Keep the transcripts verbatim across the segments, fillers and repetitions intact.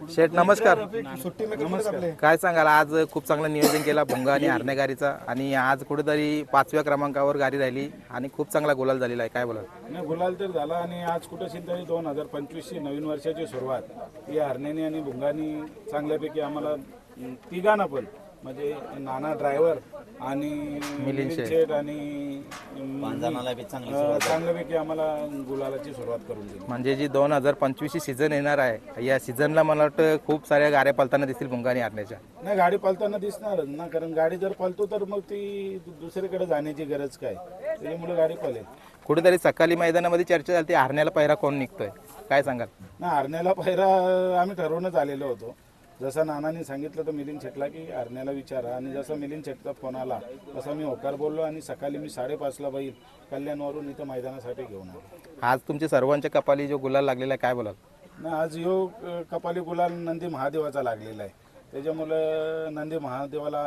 शेठ नमस्कार. नमस्कार. काय सांगाल, आज खूप चांगलं नियोजन केला भुंगा आणि हरणे गाडीचा आणि आज कुठेतरी पाचव्या क्रमांकावर गाडी राहिली आणि खूप चांगला गुलाल झालेला आहे. काय बोला? नाही, गुलाल तर झाला आणि आज कुठं तरी दोन हजार पंचवीसची नवीन वर्षाची सुरुवात ही हरण्याने आणि भुंगानी चांगल्यापैकी आम्हाला तिघांना पण म्हणजे नाना ड्रायव्हर आणि मिलिंद शेठ आणि बी चांगली अं, चांगल्यापैकी आम्हाला गुलालाची सुरुवात करून दिली. म्हणजे जी दोन हजार पंचवीसची सीझन येणार आहे या सीझनला मला वाटतं खूप साऱ्या गाड्या पळताना दिसतील भुंगा आणि हरण्याच्या. नाही, गाडी पळताना दिसणारच ना, कारण गाडी जर पळतो तर मग ती दुसरीकडे जाण्याची गरज काय, त्याच्यामुळे गाडी पळेल. कुठेतरी सकाळी मैदानामध्ये चर्चा झाली हरण्याला पहिरा कोण निघतोय, काय सांगाल? ना, हरण्याला पहिरा आम्ही ठरवूनच आलेलो होतो. जसं नानांनी सांगितलं तर मिलिंद शेटला की हरण्याला विचारा, आणि जसं मिलिंद शेटचा फोन आला तसं मी होकार बोललो आणि सकाळी मी साडेपाचला बैल कल्याणवरून इथं मैदानासाठी घेऊन आलो. आज तुमच्या सर्वांच्या कपाली जो गुलाल लागलेला आहे, काय बोलाल? ना, आज यो कपाली गुलाल नंदी महादेवाचा लागलेला आहे, त्याच्यामुळं नंदी महादेवाला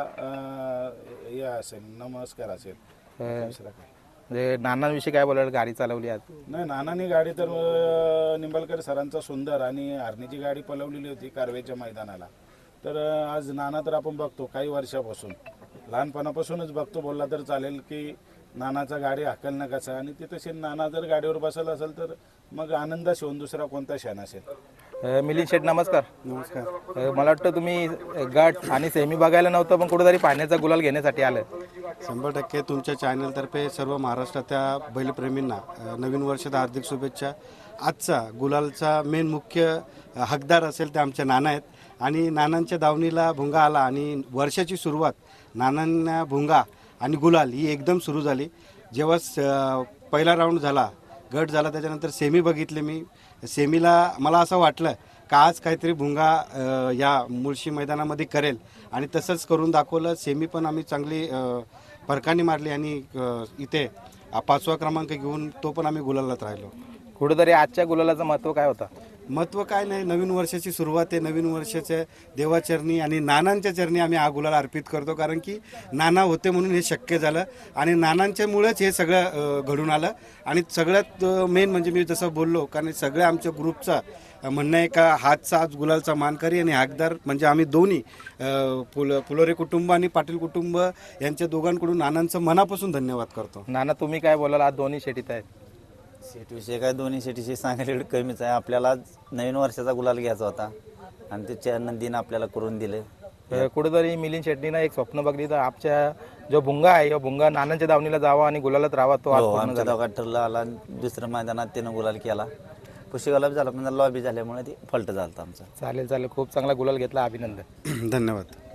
अं, हे असेल, नमस्कार असेल. दुसरं काय म्हणजे नानांविषयी काय बोलाल? गाडी चालवली आज. नाही, नानांनी गाडी तर अं, निंबाळकर सरांचा सुंदर आणि हरणीची गाडी पलवलेली होती कारवेच्या मैदानाला. तर अं, आज नाना तर आपण बघतो काही वर्षापासून, लहानपणापासूनच बघतो बोलला तर चालेल की नानाचा गाडी हाकलणं कसा, आणि ते तसे नाना जर गाडीवर बसला असेल तर मग आनंद शिवून दुसरा कोणता क्षण असेल. अ, मिलिंद शेठ नमस्कार. नमस्कार. अ, मला वाटतं तुम्ही गट आणि सेमी बघायला नव्हतं पण कुठेतरी पाण्याचा गुलाल घेण्यासाठी आलं. शंभर टक्के तुमच्या चॅनलतर्फे सर्व महाराष्ट्राच्या बैलप्रेमींना अ, नवीन वर्षात हार्दिक शुभेच्छा. आजचा गुलालचा मेन मुख्य अ, हकदार असेल ते आमचे नाना आहेत, आणि नानांच्या दावणीला भुंगा आला आणि वर्षाची सुरुवात नानांना भुंगा आणि गुलाल ही एकदम सुरू झाली. जेव्हा स पहिला राऊंड झाला, गट झाला, त्याच्यानंतर सेमी बघितले मी. सेमीला मला असं वाटलं का आज काहीतरी भुंगा अ, या मुळशी मैदानामध्ये करेल, आणि तसंच करून दाखवलं. सेमी पण आम्ही चांगली अ, फरकाने मारली आणि अ, इथे पाचवा क्रमांक घेऊन तो पण आम्ही गुलालात राहिलो. कुठेतरी आजच्या गुलालाचं महत्त्व काय होतं? महत्त्व काय नाही, नवीन वर्षाची सुरुवात आहे, नवीन वर्षाच्या देवाचरणी आणि नानांच्या चरणी आम्ही हा गुलाल अर्पित करतो, कारण की नाना होते म्हणून हे शक्य झालं आणि नानांच्यामुळेच हे सगळं अ, घडून आलं. आणि सगळ्यात मेन म्हणजे मी जसं बोललो, कारण सगळ्या आमच्या ग्रुपचा म्हणणं आहे का हातचा आज गुलालचा मानकरी आणि हाकदार म्हणजे आम्ही दोन्ही अ, फुल फुलोरे कुटुंब आणि पाटील कुटुंब यांच्या दोघांकडून नानांचं मनापासून धन्यवाद करतो. नाना तुम्ही काय बोलाल? आज दोन्ही शेटीत आहेत. शेटविषयी काय दोन्ही शेटीशी सांगायला एवढं कमीच आहे. आपल्याला आज नवीन वर्षाचा गुलाल घ्यायचा होता आणि ते च्या नंदीनं आपल्याला करून दिले. अ, कुठेतरी मिलिंद शेट्टीनं एक स्वप्न बघली तर आपच्या जो भुंगा आहे या भुंगा नानांच्या दावणीला जावा आणि गुलालात राहावा, तो आज हो, पूर्ण आमच्या झाला. दोघात ठरलं आला आणि दुसऱ्या मैदानात त्यानं गुलाल केला. पुशेगावला झाला पण लॉबी झाल्यामुळे ते फल्ट झालं आमचं. चालेल चालेल, खूप चांगला गुलाल घेतला, अभिनंदन. धन्यवाद.